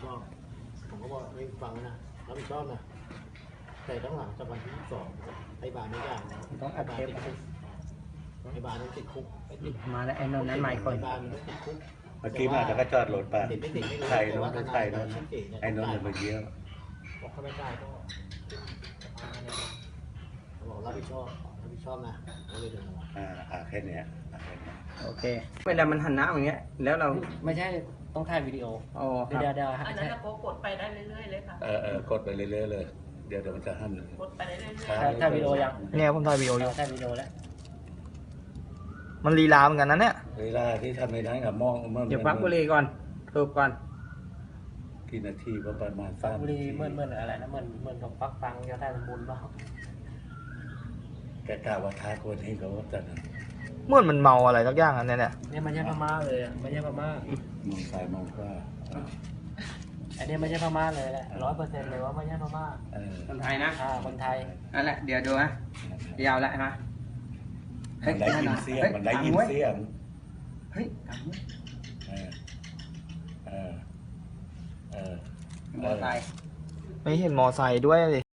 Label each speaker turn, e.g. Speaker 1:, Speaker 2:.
Speaker 1: อบผมก็บอกไม่ฟังนะรับผิดชอบนะแต่ต้องหลังจากวันที่22ไอ้บาร์ไม่ได้นะ
Speaker 2: ต้องอัดเทป
Speaker 1: ไอ้บาร์ต้องติดคุก
Speaker 2: มาแล้วไอ้นนท์นั้นไม่คน
Speaker 1: ไอ้บาร์มันต้องติดคุก
Speaker 3: เมื่อกี้มาแล้วก็จอดรถไป
Speaker 1: ติดไม่ติดไม่รู้
Speaker 3: ไทย
Speaker 1: แต่
Speaker 3: โน้
Speaker 1: ว่าน ท
Speaker 3: ไท
Speaker 1: นาย
Speaker 3: ยโน้น
Speaker 1: ชื่อเก๋เนี่ย
Speaker 3: ไอ้โน้นเลยมาเยี่ยม
Speaker 1: บอกเขาไม่ได้ก็บอกรับผิดชอบนะก็เลยเดินมา
Speaker 3: แค่เนี้ยแค่เนี้ย
Speaker 2: โอเคเวลามันหันหน้าอย่างเงี้ยแล้วเรา
Speaker 4: ไม่ใช่ต้องถ่ายวิดีโอ
Speaker 2: อ๋อค
Speaker 4: เดี๋
Speaker 2: รั
Speaker 4: ยว
Speaker 2: บ
Speaker 5: อันนั้นก็กดไปได้เรื่อยๆเลยค่ะ
Speaker 3: กดไปเรื่อยๆเลย เดี๋ยวมันจะหั่น
Speaker 5: กดไปได้เรื่อย
Speaker 4: ถ่ายวิดีโอยัง
Speaker 6: เนี่ยผมถ่ายวีดีโออยู่
Speaker 4: ถ่ายวิดีโอแล้ว
Speaker 6: มันลีลาเหมือนกันนะเนี่ย
Speaker 3: เวลาที่ทำในนั้นกับมองเมื่อ
Speaker 2: เดี๋ยวพักบุหรี่ก่อนสูบก่อน
Speaker 3: กี่นาทีก็ประมาณ
Speaker 4: ฟัง
Speaker 3: 3
Speaker 4: บุรีเมื่ออะไรนะเมื่อกับฟักฟังจะได้สมบูรณ์เปล่า
Speaker 3: แกกล่าวว่าท้าคนให้เขาจัด
Speaker 6: เหมื่อนมันเมาอะไรสักอย่างอันเนี้ยเนี่ย
Speaker 4: เนี่ยไม่ใช่พม่าเลยอะไม่ใช่พม่าม
Speaker 3: องซ้ายมองขวา
Speaker 4: อันนี้ไม่ใช่พม่าเลยแหละ100%เลยว่าไม่ใช่พม่า
Speaker 2: คนไทยนะ
Speaker 4: คนไทย
Speaker 2: นั่นแหละเดี๋ยวดูนะยาวแล้วนะ
Speaker 3: มันได้ยินเสียงมันได้ยินเสียง
Speaker 2: เฮ้ย
Speaker 3: เออ
Speaker 2: มอไซค์
Speaker 6: ไม่เห็นมอไซค์ด้วยเลย